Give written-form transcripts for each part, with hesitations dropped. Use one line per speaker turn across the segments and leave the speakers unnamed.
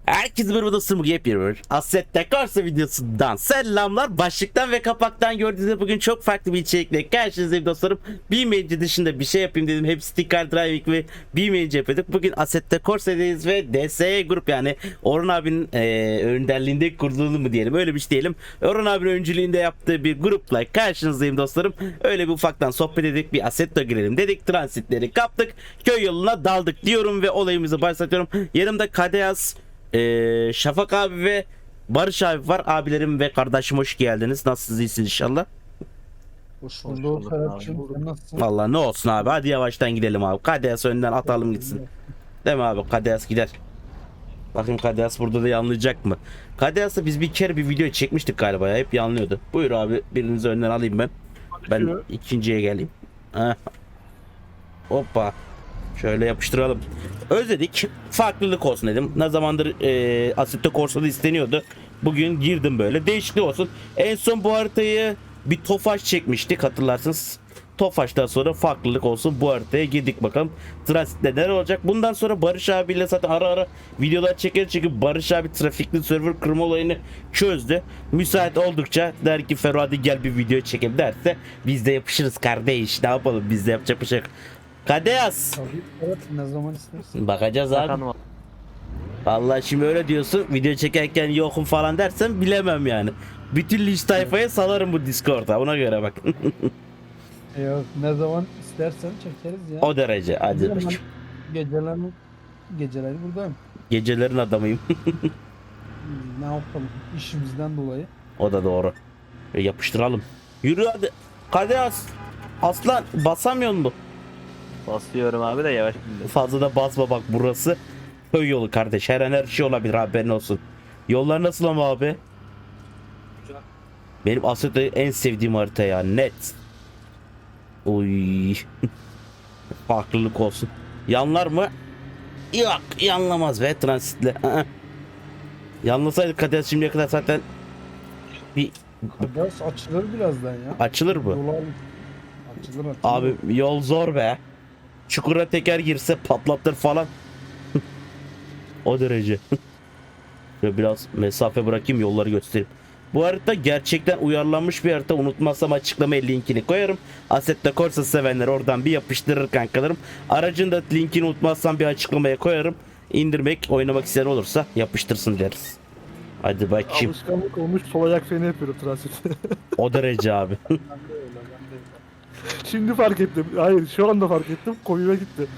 Herkese merhaba dostum, yepyeni bir Assetto Corsa videosundan selamlar. Başlıktan ve kapaktan gördüğünüz gibi bugün çok farklı bir içerikle karşınızdayım dostlarım. BeamNG dışında bir şey yapayım dedim. Hep Sticker Driving ve BeamNG yapıyorduk. Bugün Assetto Corsa'dayız ve DSE grup, yani Orhan abinin önderliğinde kurduğunu mu diyelim, öyle bir şey diyelim. Orhan abinin öncülüğünde yaptığı bir grupla karşınızdayım dostlarım. Öyle bir ufaktan sohbet edelim, bir Assetto girelim dedik. Transitleri kaptık, köy yoluna daldık diyorum ve olayımızı başlatıyorum. Yanımda Kadeyaz, Şafak abi ve Barış abi var. Abilerim ve kardeşim, hoş geldiniz. Nasılsınız, iyisiniz inşallah?
Hoş bulduk Ferhat'cığım. Sen nasılsın?
Vallahi ne olsun abi, hadi yavaştan gidelim abi. Kadeyas önden atalım gitsin. Değil mi abi? Kadeyas gider. Bakayım Kadeyas burada da yanlayacak mı? Kadeyas'la biz bir kere bir video çekmiştik galiba ya. Hep yanlıyordu. Buyur abi, birinizi önden alayım ben. Ben ikinciye geleyim. Heh. Hoppa. Şöyle yapıştıralım. Özledik. Farklılık olsun dedim. Ne zamandır Assetto Corsa'da isteniyordu. Bugün girdim böyle. Değişiklik olsun. En son bu haritayı bir Tofaş çekmiştik, hatırlarsınız. Tofaş'tan sonra farklılık olsun. Bu haritaya girdik bakalım. Transit'te neler olacak? Bundan sonra Barış abiyle zaten ara ara videolar çeker, çünkü Barış abi trafikli server kırma olayını çözdü. Müsait oldukça der ki Ferro hadi gel bir video çekelim derse biz de yapışırız kardeş. Ne yapalım, biz de yapacak bir şey yok. Kadeyas.
Tabii evet, ne zaman istersin?
Bakacağız abi. Vallahi şimdi öyle diyorsun, video çekerken yokum falan dersen bilemem yani. Bütün linç tayfaya salarım bu Discord'a, ona göre bak.
Yok, ne zaman istersen çekeriz ya.
O derece, hadi
Zaman
bakayım.
geceleri buradayım.
Gecelerin adamıyım.
Ne yapalım işimizden dolayı.
O da doğru. Yapıştıralım. Yürü hadi. Kadeyas. Aslan basamıyor mu?
Basıyorum abi de yavaş gidiyor.
Fazla da basma bak, burası köy yolu kardeş. Her an her şey olabilir, haberin olsun. Yollar nasıl ama abi?
Güzel.
Benim Assetto'yu en sevdiğim harita ya, net. Uy. Farklılık olsun. Yanlar mı? Yok, yanlamaz be transitle. Yanlasaydı Kader şimdiye kadar zaten bir
Biraz açılır birazdan ya.
açılır mı?
Yol al- Açılır.
Abi yol zor be. Çukura teker girse patlatır falan. O derece. Şöyle biraz mesafe bırakayım, yolları göstereyim. Bu harita gerçekten uyarlanmış bir harita. Unutmazsam açıklamaya linkini koyarım. Assetto Corsa sevenler oradan bir yapıştırır kankalarım. Aracın da linkini unutmazsam bir açıklamaya koyarım. İndirmek, oynamak isteyen olursa yapıştırsın deriz. Hadi bakayım.
Alışkanlık olmuş, sol ayak freni yapıyorum transit.
O derece abi.
Ben de öyle, ben de öyle.
Şimdi fark ettim. Hayır, şu anda fark ettim. Komiğime gitti.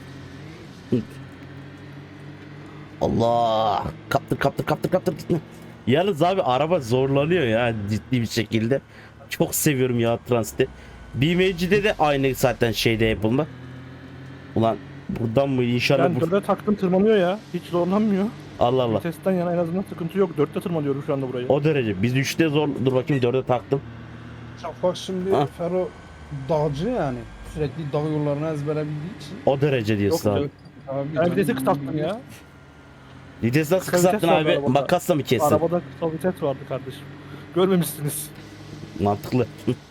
Allah. Kaptır. Yalnız abi araba zorlanıyor ya, ciddi bir şekilde. Çok seviyorum ya transiti. BMW'de de aynı zaten şeyde yapılma. Ulan buradan mı inşallah
Ben dörde taktım, tırmanıyor ya. Hiç zorlanmıyor.
Allah Allah.
Testten yana en azından sıkıntı yok. Dörtte tırmanıyorum şu anda burayı.
O derece. Biz 3'te zor. Dur bakayım, 4'e taktım.
Şafak şimdi
Ha.
Fero dağcı yani. Sürekli dağ yollarını ezbere bildiği için.
O derece diyorsun
Yok,
abi.
yok.
Abi
Ben
canım,
vitesi kısalttım ya.
Vites nasıl
Kısa vites
kısalttın
var
abi?
arabada.
Makasla mı kestin?
Arabada kısa vites vardı kardeşim. Görmemişsiniz.
Mantıklı.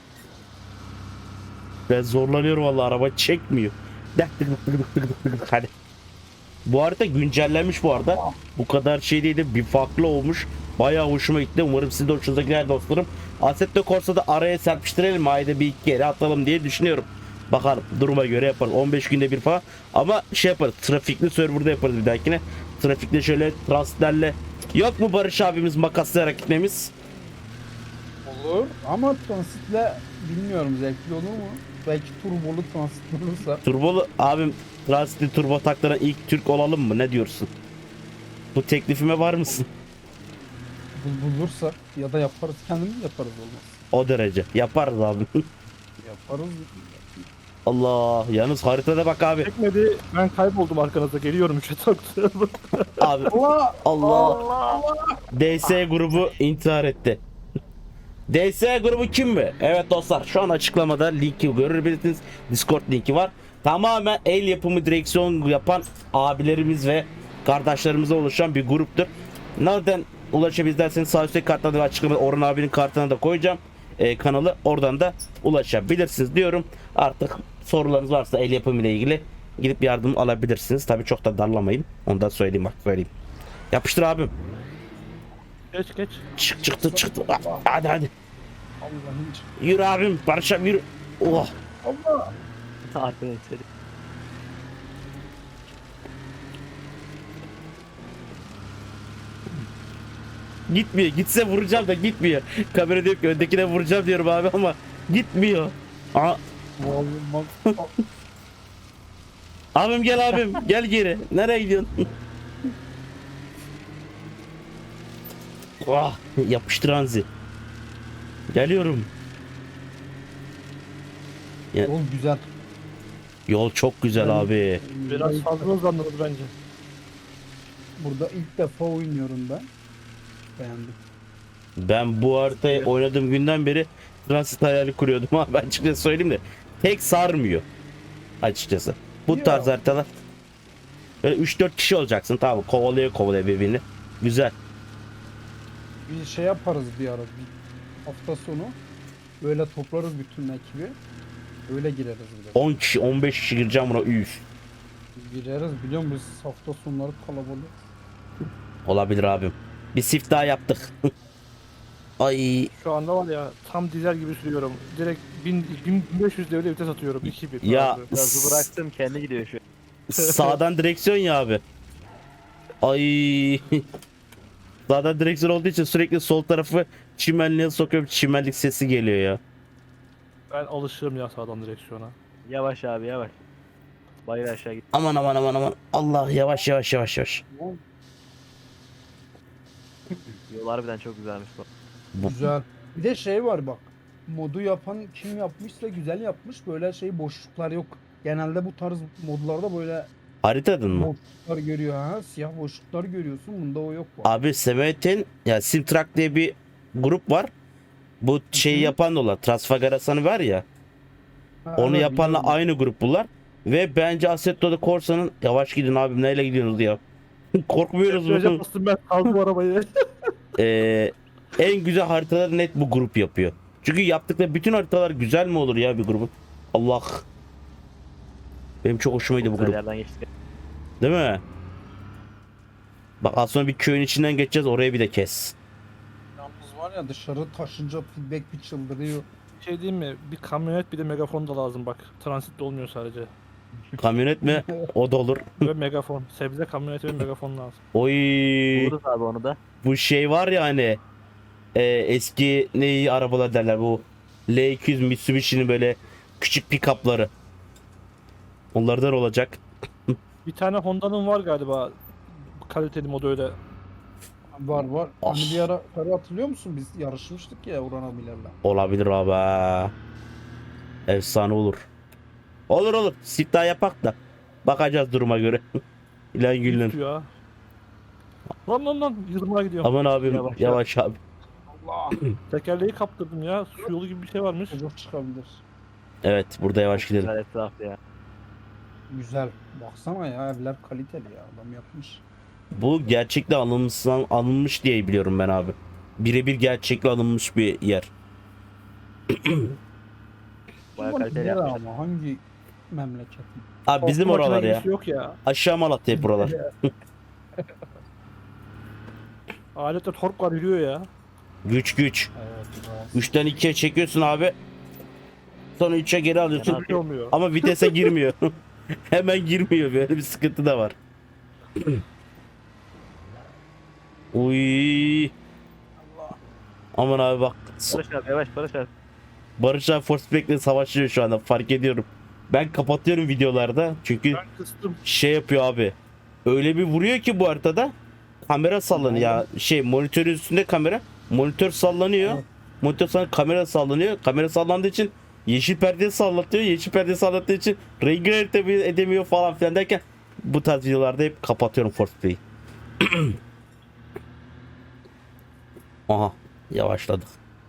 Ben zorlanıyorum vallahi, araba çekmiyor. Hadi. Bu harita güncellenmiş bu arada. Bu kadar şey değildi, bir farklı olmuş. Bayağı hoşuma gitti. Umarım sizin de hoşunuza gider dostlarım. Assetto Corsa'da araya serpiştirelim. Ayda bir iki kere atalım diye düşünüyorum. Bakalım, duruma göre yaparız. 15 günde bir falan. Ama şey yaparız. Trafikli serverda yaparız bir dahakine. Trafikte şöyle transitlerle. Yok mu Barış abimiz makaslayarak gitmemiz?
olur ama transitle bilmiyorum, zevkli olur mu? Belki turbolu transit olursa.
Turbolu abim, transitli turbo taktıran ilk Türk olalım mı? Ne diyorsun? Bu teklifime var mısın?
Bulursak ya da yaparız, kendimiz yaparız, olmaz.
O derece. Yaparız abi.
Yaparız.
Allah. Yalnız haritada bak abi.
Çekmedi. Ben kayboldum arkanızda. Geliyorum 3'e taktım.
Abi.
Allah!
Allah. DS grubu intihar etti. DS grubu kim mi? Evet dostlar, şu an açıklamada linki görebilirsiniz. Discord linki var. Tamamen el yapımı direksiyon yapan abilerimiz ve kardeşlerimize oluşan bir gruptur. Nereden ulaşabiliriz derseniz sağ üstteki kartlarda ve açıklamada Orhan abinin kartına da koyacağım. Kanalı, oradan da ulaşabilirsiniz diyorum. Artık sorularınız varsa el yapımı ile ilgili gidip yardım alabilirsiniz. Tabii çok da darlamayın. Onu da söyleyeyim, bak söyleyeyim. Yapıştır abim.
Geç.
Çıktı. Hadi.
Allah'ın için.
Yürü abim. Barış abi yürü. Oh.
Allah.
Arkadan içeri.
Gitmiyor. Gitse vuracağım da gitmiyor. Kamera diyor ki öndekine vuracağım diyorum abi ama gitmiyor. Aa,
Vallahi
abim gel abim. Gel geri. Nereye gidiyorsun? Oh, yapıştır Hanzi. Geliyorum.
yol güzel.
Yol çok güzel abi.
Biraz fazla hızlandınız bence.
Burada ilk defa oynuyorum ben. Beğendim.
Ben bu haritayı oynadığım günden beri transit hayali kuruyordum ama ben açıkçası söyleyeyim de pek sarmıyor açıkçası. Bu
Ya.
tarz haritalar böyle 3-4 kişi olacaksın, tamam, kovalaya birbirini. Güzel.
Bir şey yaparız bir ara. Bir hafta sonu böyle toplarız bütün ekibi. Öyle gireriz bir de.
10 kişi 15 kişi gireceğim buna, üf.
Gireriz biliyor musun? Biz hafta sonları kalabalık.
Olabilir abim. Bir sift daha yaptık. Ay
Şu anda var ya tam dizel gibi sürüyorum. Direkt 1500 devre vites atıyorum. 2000.
ya
abi.
Gazı bıraktım kendi gidiyor şu.
sağdan direksiyon ya abi. Ay. Sağdan direksiyon olduğu için sürekli sol tarafı çimenliğe sokuyorum. Çimenlik sesi geliyor ya.
Ben alışığım ya sağdan direksiyona.
Yavaş abi yavaş. Bayır aşağı git.
Aman. Allah, yavaş.
Yol harbiden çok güzelmiş bu.
Güzel. Bir de şey var bak. Modu yapan kim yapmışsa güzel yapmış. Böyle şey boşluklar yok. Genelde bu tarz modlarda böyle
Haritadın mı?
boşluklar görüyor ha. Siyah boşluklar görüyorsun. Bunda o yok bak.
Abi Semet'in ya Simtrak diye bir grup var. Bu şeyi yapan da olan Trasfagarasan'ı var ya.
Ha,
Onu
evet,
yapanla
biliyorum.
aynı grup bunlar. Ve bence Assetto'da Corsa'nın yavaş gidin abim, neyle gidiyorsunuz ya. Korkmuyoruz
Önce
mu?
bastım ben kaldım arabayı.
En güzel haritaları net bu grup yapıyor. Çünkü yaptıkları bütün haritalar güzel mi olur ya bir grubun? Allah. Benim çok hoşuma gitti bu
Güzel
grup.
yerden geçtik.
Değil mi? Bak az sonra bir köyün içinden geçeceğiz, oraya bir de kes.
Yalnız var ya dışarı taşınca feedback bir çıldırıyor.
Şey diyeyim mi? Bir kamyonet bir de megafon da lazım bak. Transitte olmuyor sadece.
Kamyonet mi? O da olur.
Ve megafon. Sebze kamyoneti ve megafon lazım.
Oy.
Buluruz abi onu da.
Bu şey var ya hani eski neyi arabalar derler, bu L200 Mitsubishi'nin böyle küçük pick-up'ları. Onlardan olacak.
Bir tane Honda'nın var galiba. Kaliteli modu öyle.
Var.
Ah.
Hani bir ara hatırlıyor musun? Biz yarışmıştık ya Orhan abilerle.
Olabilir abi. Ha. Efsane olur. Olur. Sit daha yapak da. Bakacağız duruma göre. İlan gülün.
Ya. Lan yırmağa gidiyor.
Aman abim
Yavaş,
yavaş abi.
Allah.
Tekerleği kaptırdım ya. Su yolu gibi bir şey varmış.
Çocuk çıkabilir.
Evet, burada yavaş gidelim.
Güzel etraf ya.
Güzel. Baksana ya evler kaliteli ya. Adam yapmış.
Bu gerçekle alınmış diye biliyorum ben abi. Birebir gerçekle alınmış bir yer.
Bayağı
Ama
kaliteli
nerede
yapmışlar.
ama hangi memleket?
Abi bizim
Korkma
oralar ya.
makinesi Yok ya.
Aşağı Malatya hep buralar.
Alette tork var yürüyor ya.
Güç.
Evet. biraz.
3'ten 2'ye çekiyorsun abi. Sonra 3'e geri alıyorsun.
Hiçbir şey olmuyor.
Ama vitese girmiyor. Hemen girmiyor. Böyle bir sıkıntı da var. Uy. Aman abi bak.
Barış abi yavaş Barış abi.
Barış abi Forceback'le savaşıyor şu anda. Fark ediyorum. Ben kapatıyorum videolarda. Çünkü
Ben kıstım.
şey yapıyor abi. Öyle bir vuruyor ki bu haritada. Kamera sallanıyor ya. Şey, monitörün üstünde kamera. Monitör sallanıyor.
Evet.
Monitör sonra kamera sallanıyor. Kamera sallandığı için yeşil perdeyi sallatıyor. Yeşil perdeyi sallattığı için rengi edemiyor falan filan derken bu tarz videolarda hep kapatıyorum Forceplay'i. Aha, yavaşladık.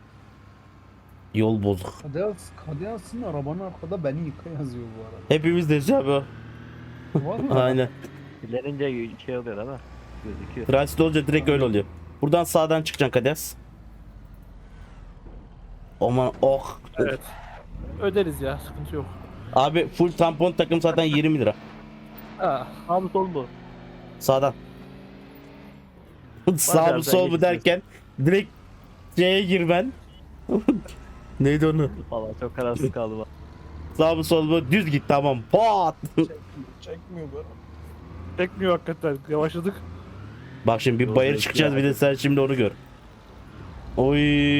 Yol bozuk.
Kadeas'ın arabanın arkada beni yıka yazıyor bu arada.
Hepimiz de abi o.
Vallahi.
Aynen.
İlerince şey oluyor değil mi? Gözüküyor.
Transit olunca direkt öyle oluyor. Buradan sağdan çıkacaksın Kades. Aman oh.
Evet. Öderiz ya. Sıkıntı yok.
Abi full tampon takım zaten 20 lira.
Ha.
Abi sol bu.
Sağdan. Sağ mı
yerden
sol mu
geçeceğiz.
derken direkt C'ye girmen. Neydi onu?
Valla çok kararsız kaldım.
Sağ mı sol mu düz git tamam. Pat.
Çekmiyor böyle.
Çekmiyor hakikaten. Yavaşladık.
Bak şimdi bir
Yol
bayır
zevkli
çıkacağız bir
yani.
de sen şimdi onu gör. Oy.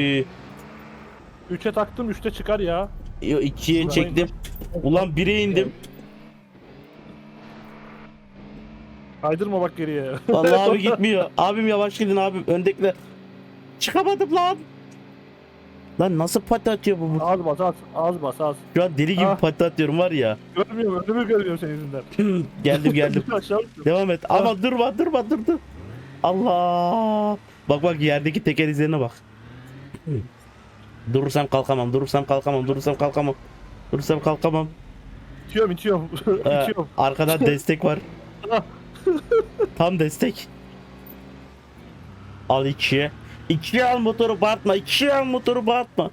3'e taktım 3'te çıkar ya.
2'ye çektim. Ulan 1'e indim.
Kaydırma bak geriye.
Vallahi abi gitmiyor. Abim yavaş gidin abim. Öndekiler. Çıkamadım lan. Lan nasıl pati atıyor bu?
Az bas az. Az bas az.
Şu an deli gibi
Ah.
pati atıyorum var ya.
Görmüyorum önümü görmüyorum senin yüzünden.
Geldim.
Aşağı uçtum.
Devam et. Ama durma dur. Allah. Bak yerdeki teker izlerine bak. Durursam kalkamam.
İtiyorum.
Ee,
İtiyorum.
arkadan destek var. Tam destek. Al 2'ye. 2'ye al motoru bağırtma.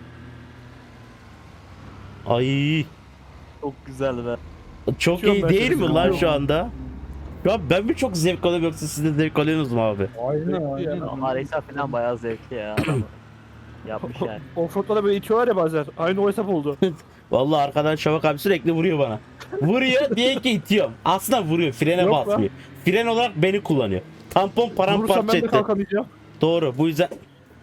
Ay
Çok güzeldi be.
çok
Uçuyorum
iyi
ben
değil
seni,
mi lan şu
uçuyorum.
anda? Ya ben mi çok zevk alıyorum yoksa siz de zevk alıyorsunuz mu abi?
Aynen.
Ama hesap falan bayağı zevkli ya. Adamı yapmış yani.
Offroad'da böyle itiyorlar ya bazen. Aynı o hesap oldu.
Vallahi arkadan Şavak abi sürekli vuruyor bana. Vuruyor diye ki itiyorum. Aslında vuruyor frene
Yok lan.
basmıyor. Fren olarak beni kullanıyor. Tampon
Vurursam
paramparça
ben de
etti.
kalkamayacağım.
Doğru bu yüzden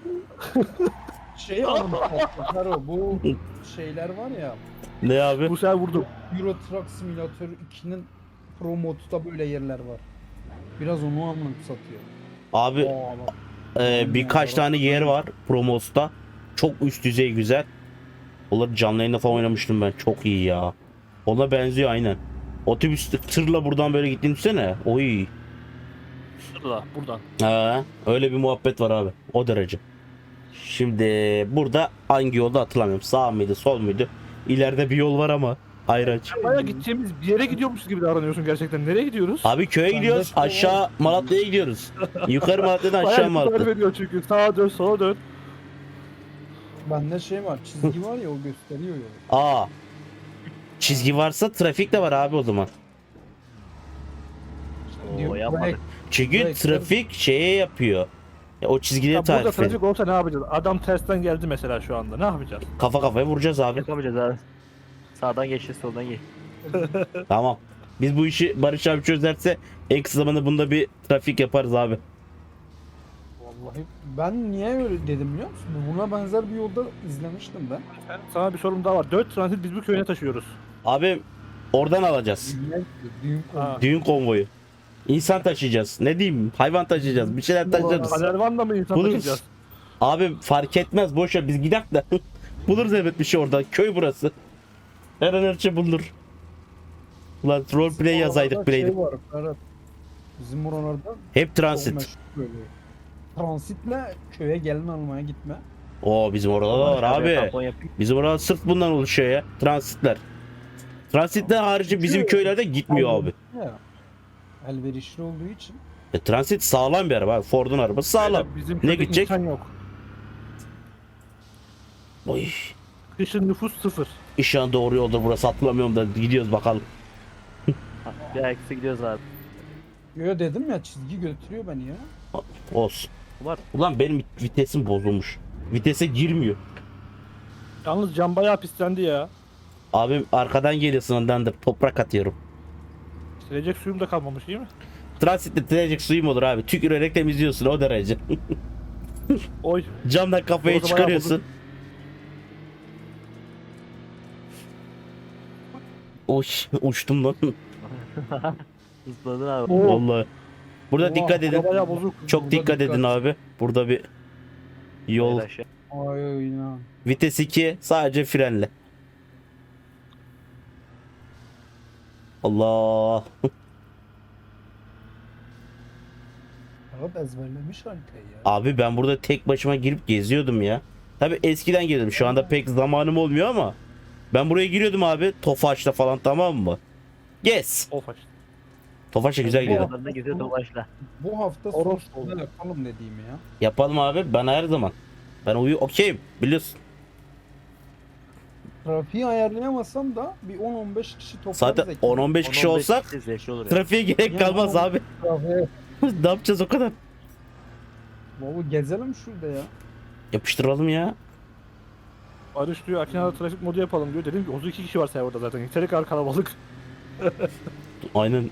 Şey anlatmışlar o. Bu şeyler var ya.
ne abi?
Bu sefer vurdum.
Euro Truck Simulator 2'nin Pro modda böyle yerler var. Biraz onu anımsatıyor.
Abi birkaç tane yer var Promos'ta. Çok üst düzey güzel. Onları canlı yayında falan oynamıştım ben. Çok iyi ya. Ona benziyor aynen. Otobüs tırla buradan böyle gittiğini düşünsene. Oy.
Şurada buradan.
Öyle bir muhabbet var abi. O derece. Şimdi burada hangi yolda hatırlamıyorum. Sağ mıydı, sol muydu? İleride bir yol var ama ayraç.
Baya gideceğimiz bir yere gidiyormuşuz gibi davranıyorsun gerçekten. Nereye gidiyoruz?
Abi köye gidiyoruz. Aşağı Malatya'ya gidiyoruz. Yukarı Malatya'dan aşağı
Bayağı
Malatya.
tarif ediyor çünkü. Sağa dön sola dön.
Bende şey var, çizgi var ya o gösteriyor ya.
Aa. Çizgi varsa trafik de var abi o zaman.
Oo yapmadık.
Çünkü
Evet,
trafik şeye yapıyor. O çizgileri
Ya burada
tarif ediyor.
trafik olsa ne yapacağız? Adam tersten geldi mesela şu anda. Ne yapacağız?
Kafa kafaya vuracağız abi.
Yapamayacağız abi. Sağdan geçeceğiz soldan geç.
Tamam. Biz bu işi Barış abi çözerse en kısa zamanda bunda bir trafik yaparız abi.
Vallahi ben niye öyle dedim biliyor musun? Buna benzer bir yolda izlemiştim ben.
Sana bir sorum daha var. 4 transit biz bu köyüne taşıyoruz.
Abi oradan alacağız.
Düğün
Ha.
Düğün konvoyu. İnsan taşıyacağız. Ne diyeyim? Hayvan taşıyacağız. Bir şeyler taşıyacağız.
Kadervan'da mı insan
Buluruz.
taşıyacağız?
Abi fark etmez. Boş ver biz gidelim de. Buluruz evet bir şey orada. Köy burası. Her an her şey bulunur. Ulan roleplay yazaydık
Oralarda
bileydim.
Şey var, Ferhat. Bizim oralarda
Hep
çok
transit.
meşhur böyle. Transitle köye gelin almaya gitme.
Oo bizim orada da var abi.
Tampon yapayım.
Bizim orada sırf bundan oluşuyor ya. Transitler. Transitler harici bizim köylerde gitmiyor abi.
Ya. Elverişli olduğu için.
Transit sağlam bir araba. Ford'un arabası sağlam.
Bizim
Ne
köyde
gidecek?
insan yok.
Oy.
Kışın nüfus 0.
İnşallah doğru yolda burası hatırlamıyorum da gidiyoruz bakalım.
Ha, bir ayakta gidiyoruz abi.
Yo dedim ya çizgi götürüyor beni ya.
Olsun.
Var.
Ulan benim vitesim bozulmuş. Vitese girmiyor.
Yalnız cam bayağı pislendi ya.
Abim arkadan geliyor sınırdandır. Toprak atıyorum.
Silecek suyum da kalmamış değil mi?
Transitte tirecek suyum olur abi. Tükürerek temizliyorsun o derece.
Oy.
Camdan kafayı
Orada bayağı
çıkarıyorsun. Oy uçtum lan.
Hızladın abi.
Oo.
Vallahi. Burada
Oha,
dikkat edin.
Bayağı bozuk.
Çok
Burada
dikkat edin abi. Burada bir yol.
Hayır aşağı.
Ay inan.
Vites 2 sadece frenle. Allah.
Ferhat ezberlemiş haritayı ya.
Abi ben burada tek başıma girip geziyordum ya. Tabi eskiden geliyordum. Şu anda pek zamanım olmuyor ama. Ben buraya giriyordum abi. Tofaş'ta falan tamam mı? Gez.
Of açtı.
Tofaş'ta güzel geliyor.
Aralarında geziyor dolaşla.
Bu hafta
Oros
sonunda yapalım dediğim ya.
Yapalım abi. Ben her zaman. Ben okeyim. Biliyorsun.
Trafiği ayarlayamazsam da bir 10-15 kişi toplarız.
Zaten
ekip.
10-15 kişi
10-15
olsak
kişi zevkli olur ya.
trafiğe gerek
Ya
kalmaz
ama-
abi.
Trafiğe
Ne yapacağız o kadar?
Baba gezelim şurada ya.
Yapıştıralım ya.
Barış diyor Akina'da trafik modu yapalım diyor. Dedim ki 32 kişi var serverda zaten. Yeteri kadar kalabalık.
Aynen.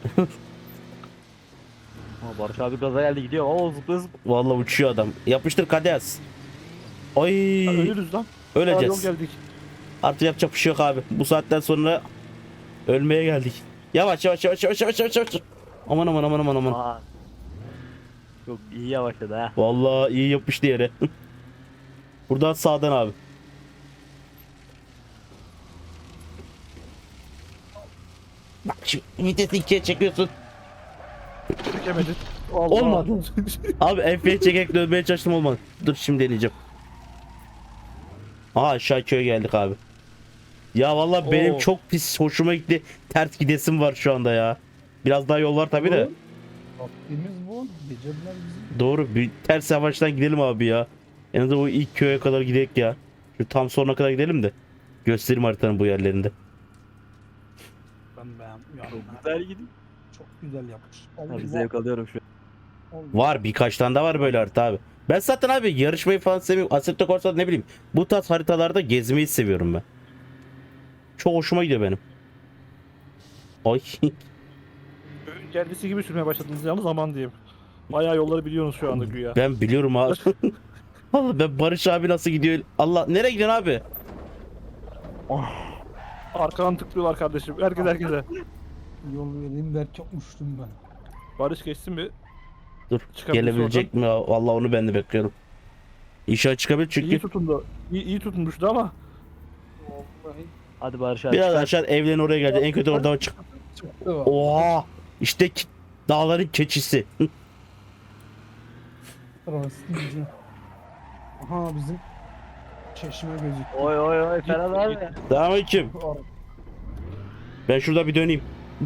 Ama Barış abi gaza geldi gidiyor. Oo zıplıyor zıplıyor.
Vallahi uçuyor adam. Yapıştır Kadeas. Ay.
Ya ölürüz lan. Aa,
Öleceğiz.
yol geldik.
Artık yapacak bir şey yok abi. Bu saatten sonra ölmeye geldik. Yavaş yavaş yavaş yavaş yavaş yavaş. Yavaş. Aman aman aman aman aman.
Aa. Çok iyi yavaşladı ha.
Vallahi iyi yapıştı yere. Buradan sağdan abi. Bak şimdi vitesi ikiye çekiyorsun.
Çekemedin. Allah.
Olmadı. Abi F'ye çekerek dönmeye çalıştım olmadı. Dur şimdi deneyeceğim. Aha aşağı köye geldik abi. Ya vallahi benim
Oo.
çok pis hoşuma gitti. Ters gidesim var şu anda ya. Biraz daha yol var tabi de.
Vaktimiz bu. Geceler bizim.
Doğru. Bir ters yavaştan gidelim abi ya. En azından o ilk köye kadar gidelim ya. Şu tam sonuna kadar gidelim de. Göstereyim haritanın bu yerlerinde.
Ben beğendim.
Çok güzel gidiyor.
Çok güzel yapmış.
Abi zevk alıyorum şu an.
Var birkaç tane de var böyle harita abi. Ben zaten abi yarışmayı falan seviyorum. Assetto Corsa'da ne bileyim. Bu tarz haritalarda gezmeyi seviyorum ben. Çok hoşuma gidiyor benim. Ay.
Köyün kendisi gibi sürmeye başladınız yalnız aman diyeyim. Bayağı yolları biliyorsunuz şu anda güya.
Ben biliyorum abi. Allah ben Barış abi nasıl gidiyor? Allah nereye gidiyorsun abi?
Arkadan tıklıyorlar kardeşim. Herkese.
Yol vereyim derken uçtum ben.
Barış geçsin bir.
Dur
Çıkabilirse
gelebilecek mi? Vallahi onu ben de bekliyorum. İnşallah çıkabilir çünkü
İyi tutundu. İyi tutunmuştu ama.
Vallahi
Hadi Barış abi.
biraz
çıkar.
aşağı evlerin oraya gelecek. En kötü orada çık.
çıktı var.
Oha! İşte dağların keçisi.
Orası diyeceğim. Aha bizim çeşme gözüküyor.
Oy oy oy Ferhat abi.
Selamünaleyküm. Ben şurada bir döneyim.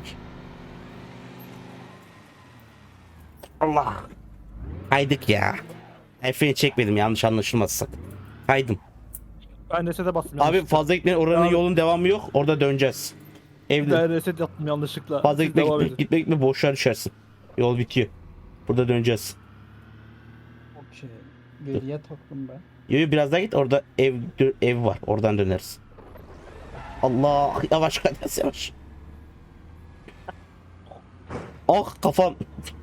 Allah. Kaydık ya. Efe'yi çekmedim yanlış anlaşılmazsa. Kaydım.
Ben resete bastım
Abi
yanlışlıkla.
fazla gitmeyin oranın
Abi.
yolun devamı yok. Orada döneceğiz. Evde
Ben reset yaptım yanlışlıkla.
fazla
Siz
gitme
devam
gitme,
edin.
gitme gitme boşluğa düşersin. Yol bitiyor. Burada döneceğiz.
Okey. Geriye taktım ben.
Yo, biraz daha git orada ev var. Oradan döneriz. Allah yavaş Kadeas yavaş. Ah kafam.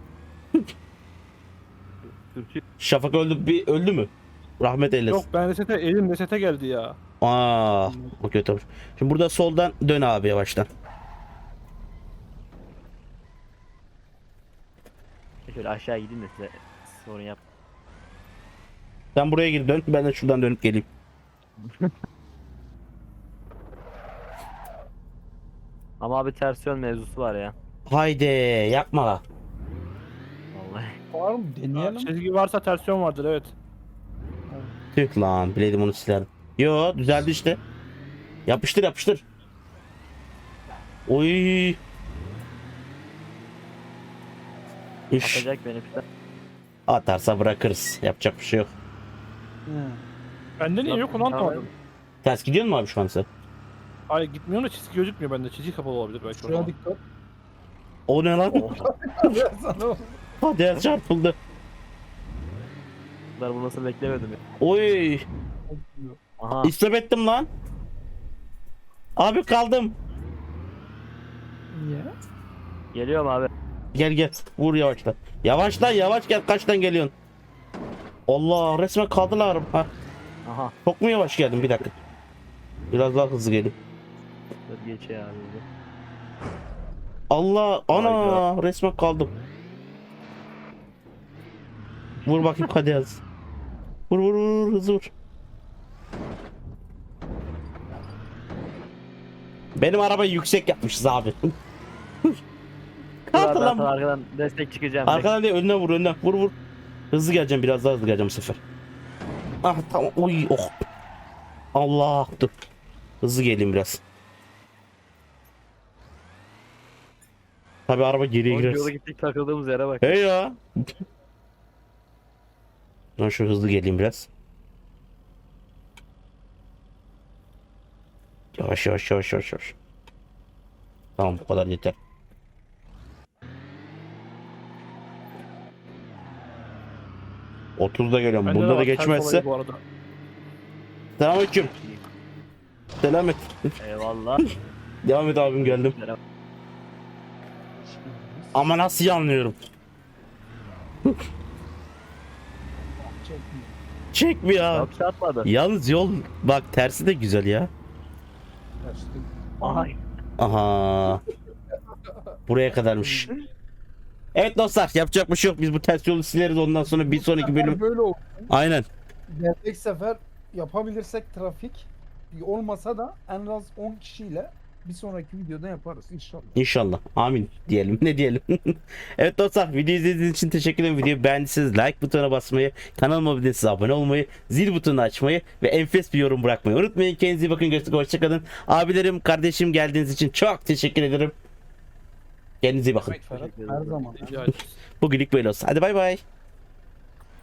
Türkiye.
Şafak öldü mü? Rahmet eylesin.
Yok ben elim resete geldi ya.
Aa, o kötü olmuş. Şimdi burada soldan dön abi yavaştan.
Şöyle aşağı gideyim de size sorun yap.
Sen buraya gir dön. Ben de şuradan dönüp geleyim.
Ama abi ters yön mevzusu var ya.
Haydi yapma la.
Vallahi.
Var mı? Deneyelim.
Çizgi varsa tersiyon vardır evet.
Tüh lan bileydim onu silerdim. Yo düzeldi işte. Yapıştır yapıştır. Oy. İş.
Atacak beni piste.
Atarsa bırakırız. Yapacak bir şey yok.
He.
Bende niye yok onu anlamadım.
Ters gidiyor mu abi şu an sen?
Hayır gitmiyor da çizgi gözükmüyor bende. Çizgi kapalı olabilir belki o
Şuraya
zaman.
dikkat.
O ne lan?
Oh.
Sana
Hadi çarpıldı.
Bunlar bunu nasıl beklemedim ya.
Oy.
Aha.
İstop ettim lan. Abi kaldım.
Niye?
Geliyorum abi.
Gel gel. Vur yavaşla. Yavaşla yavaş gel. Kaçtan geliyorsun? Allah resmen kaldılar. Ha,
Aha.
çok mu yavaş geldin? Bir dakika. Biraz daha hızlı gelin.
Dur geç ya abi.
Allah ana resmen kaldım. Vur bakayım hadi yaz. Vur vur vur hızlı vur. Benim arabayı yüksek yapmışız abi.
Dur
Kaldı
abi ben
lan.
sana
bu.
arkadan destek çıkacağım.
Arkadan değil önüne vur önüne vur vur. Hızlı geleceğim biraz daha hızlı geleceğim bu sefer. Ah tamam oy oh. Allah dur. Hızlı geleyim biraz. Tabi araba geriye
Oğlum,
girer.
yola gittik takıldığımız yere bak.
Hey ya. Ben şu hızlı geleyim biraz. Yavaş yavaş yavaş yavaş yavaş. Tamam bu kadar yeter. 30'da geliyorum.
Bende de
Bunda da
var, ters
geçmezse.
olayı bu arada.
Selamünaleyküm. Selam et.
Eyvallah.
Devam et abim, geldim. Ama nasıl yanlıyorum?
Çekmiyor.
Çekmiyor abi.
Yok çarpmadı.
Yalnız yol bak tersi de güzel ya.
Kaçtım.
Ay.
Aha. Buraya kadarmış. Evet dostlar, yapacak bir şey yok. Biz bu ters yolu sileriz, ondan sonra bir sonraki bölüm.
Böyle oldu.
Aynen.
Gelecek sefer yapabilirsek trafik olmasa da en az 10 kişiyle bir sonraki videoda yaparız inşallah.
İnşallah. Amin diyelim. Ne diyelim? Evet dostlar, videoyu izlediğiniz için teşekkür ederim. Videoyu beğendiyseniz like butonuna basmayı, kanalıma abone değilseniz abone olmayı, zil butonunu açmayı ve enfes bir yorum bırakmayı unutmayın. Kendinize iyi bakın. Görüşürüz. Hoşçakalın. Abilerim, kardeşim, geldiğiniz için çok teşekkür ederim. Kendinize iyi bakın.
Ferhat her zaman.
Rica ederim.
Bugünlük böyle olsun. Hadi bay bay.